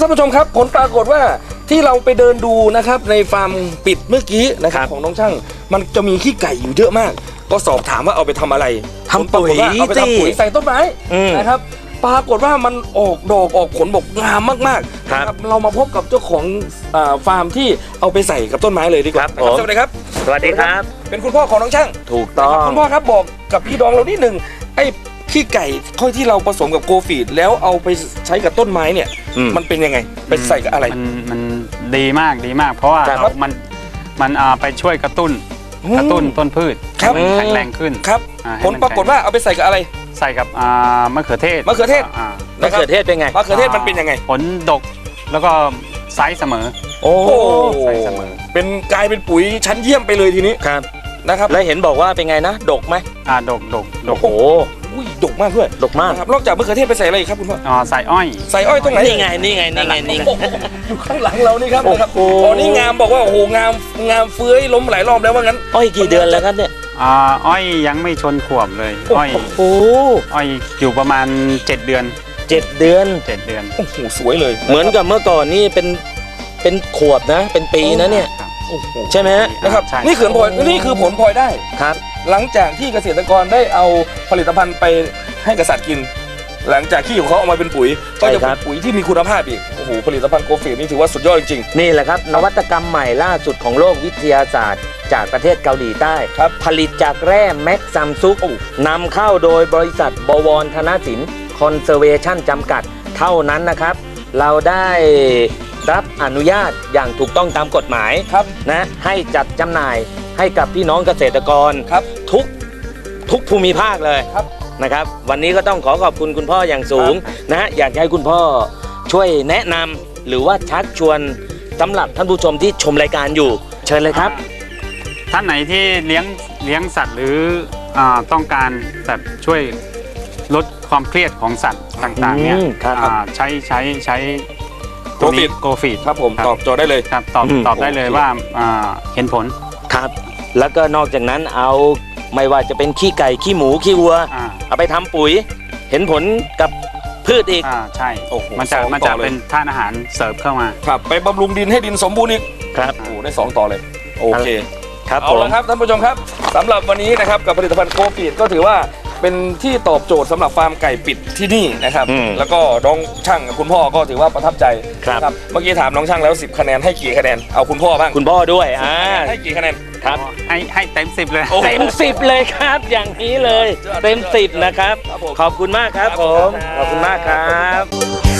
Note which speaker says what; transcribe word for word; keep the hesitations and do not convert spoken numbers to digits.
Speaker 1: านผู้ชมครับผลปรากฏว่าที่เราไปเดินดูนะครับในฟาร์มปิดเมื่อกี้นะครับของน้องช่างมันจะมีขี้ไก่อยู่เยอะมากก็สอบถามว่าเอาไปทำอะไร
Speaker 2: ทำปุ๋ย
Speaker 1: เอาไปทำปุ๋ยใส่ต้นไม้นะครับปรากฏว่ามันออกดอกออกผลบอกงามมากๆครับเรามาพบกับเจ้าของฟาร์มที่เอาไปใส่กับต้นไม้เลยดีกว่าสวัสดีครับ
Speaker 2: สวัสดีครับ
Speaker 1: เป็นคุณพ่อของน้องช่าง
Speaker 2: ถูกต้อง
Speaker 1: คุณพ่อครับบอกกับพี่ดองเรานิดหนึ่งไอ้ขี้ไก่ค่อยที่เราผสมกับโกฟีดแล้วเอาไปใช้กับต้นไม้เนี่ยมันเป็นยังไงไปใส่กับอะไร
Speaker 3: มันมันดีมากดีมากเพราะว่ามันมันไปช่วยกระตุ้นกระตุ้นต้นพืชแข็งแรงขึ้น
Speaker 1: ครับผลปรากฏว่าเอาไปใส่กับอะไร
Speaker 3: ใส่กับมะเขือเทศ
Speaker 1: มะเขือเทศ
Speaker 2: มะเขือเทศเป็นไง
Speaker 1: มะเขือเทศมันเป็นยังไง
Speaker 3: ผลดกแล้วก็ไซส์เสมอ
Speaker 1: โอ้ไซส์เสมอเป็นกลายเป็นปุ๋ยชั้นเยี่ยมไปเลยทีนี้
Speaker 2: ครับ
Speaker 1: นะครับ
Speaker 2: แล้วเห็นบอกว่าเป็นไงนะดกไหม
Speaker 3: อ่าดกดกดก
Speaker 2: โอ้
Speaker 1: อุ้ยดกมากด้วย
Speaker 2: ดกมาก
Speaker 1: ครับนอกจากมะเขือเทศไปใส่อะไรครับคุณพ่อ
Speaker 3: อ๋อใส่อ้อย
Speaker 1: ใส่อ้อยตรงไหน
Speaker 2: นี่ไงนี่ไงนี่ไงนี่
Speaker 1: อยู่ข้างหลังเรานี่ครับนะครับโอ้นี่งามบอกว่าโอ้โหงามงามเฟื้อยล้มหลายรอบแล้วว่างั้น
Speaker 2: อ้อยกี่เดือนแล้วครับเนี่ย
Speaker 3: อ่าอ้อยยังไม่ชนขวบเลยอ้อย
Speaker 2: โอ้
Speaker 3: อ้อยอยู่ประมาณเจ็ดเดือน
Speaker 2: เจ็ดเดือน
Speaker 3: เจ็ดเดือน
Speaker 1: โอ้โหสวยเลย
Speaker 2: เหมือนกับเมื่อก่อนนี่เป็นเป็นขวบนะเป็นปีนะเนี่ยใช่ไหม
Speaker 1: นะครับนี่คือผลนี่คือผลพลอยได้
Speaker 2: ครับ
Speaker 1: หลังจากที่เกษตรกรได้เอาผลิตภัณฑ์ไปให้กษัตริย์กินหลังจากที่ของเขาเอามาเป็นปุ๋ยก็จะเป็นปุ๋ยที่มีคุณภาพอีกโอ้โหผลิตภัณฑ์โกฟีดนี่ถือว่าสุดยอดจริง
Speaker 2: ๆนี่แหละครับนวัตกรรมใหม่ล่าสุดของโลกวิทยาศาสตร์จากประเทศเกาหลีใต้ผลิตจากแร่แม็กซัมซุกนำเข้าโดยบริษัทบวรธนสินคอนเซอร์เวชั่นจำกัดเท่านั้นนะครับเราได้รับอนุญาตอย่างถูกต้องตามกฎหมายนะให้จัดจำหน่ายให้กับพี่น้องเกษตรกรทุกทุกภูมิภาคเลยนะครับวันนี้ก็ต้องขอขอบคุณคุณพ่ออย่างสูงนะฮะอยากให้คุณพ่อช่วยแนะนำหรือว่าชักชวนสำหรับท่านผู้ชมที่ชมรายการอยู่เชิญเลยครับ
Speaker 3: ท่านไหนที่เลี้ยงเลี้ยงสัตว์หรือต้องการแบบช่วยลดความเครียดของสัตว์ต่างๆเนี่ยใช้ใช้ใช้
Speaker 1: โกฟีด
Speaker 3: โกฟีด
Speaker 1: ครับผมตอบโจทย์ได้เลย
Speaker 3: ครับตอบตอบได้เลยว่าเห็นผล
Speaker 2: ครับแล้วก็นอกจากนั้นเอาไม่ว่าจะเป็นขี้ไก่ขี้หมูขี้วัวเอาไปทำปุ๋ยเห็นผลกับพืชอีก
Speaker 3: อ่าใช่มันจะมันจะเป็นธาตุอาหารเสริมเข้ามา
Speaker 1: ครับไปบำรุงดินให้ดินสมบูรณ์อีก
Speaker 2: ครับ
Speaker 1: โอ้ได้สองต่อเลยโอเค
Speaker 2: ครับ
Speaker 1: เอาละครับท่านผู้ชมครับสำหรับวันนี้นะครับกับผลิตภัณฑ์โกฟีดก็ถือว่าเป็นที่ตอบโจทย์สำหรับฟาร์มไก่ปิดที่นี่นะครับแล้วก็น้องช่างคุณพ่อก็ถือว่าประทับใจ
Speaker 2: ครับ
Speaker 1: เมื่อกี้ถามน้องช่างแล้วสิบคะแนนให้กี่คะแนนเอาคุณพ่อบ้าง
Speaker 2: คุณพ่อด้วยอ่า
Speaker 1: ให้กี่คะแนน
Speaker 2: ครับ
Speaker 3: ให้ให้เต็มสิบเลย
Speaker 2: เต็มสิบเลยครับอย่างนี้เลยเต็มสิบนะครับขอบคุณมากครับผมขอบคุณมากครับ